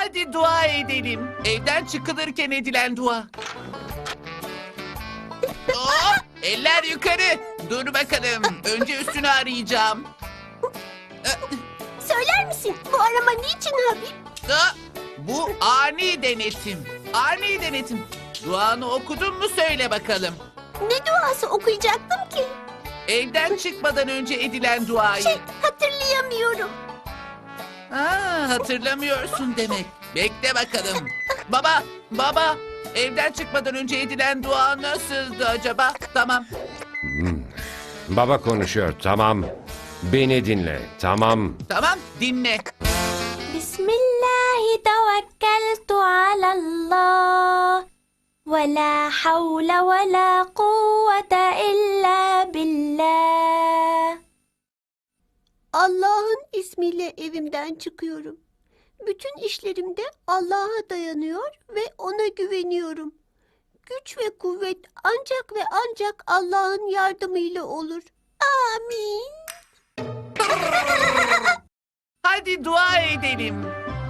Hadi dua edelim. Evden çıkılırken edilen dua. Eller yukarı. Dur bakalım. Önce üstünü arayacağım. Söyler misin bu arama niçin Habib? Bu ani denetim. Ani denetim. Duanı okudun mu söyle bakalım. Ne duası okuyacaktım ki? Evden çıkmadan önce edilen duayı. Hatırlayamıyorum. Hatırlamıyorsun demek. Bekle bakalım. Baba. Evden çıkmadan önce edilen dua nasıldı acaba? Tamam. Baba konuşuyor, tamam. Beni dinle, tamam. Tamam, dinle. Bismillahi tevekkeltu alallah. Ve la havle ve la kuvvete illa billah. Allah'ın ismiyle evimden çıkıyorum. Bütün işlerimde Allah'a dayanıyor ve ona güveniyorum. Güç ve kuvvet ancak ve ancak Allah'ın yardımıyla olur. Amin. Hadi dua edelim.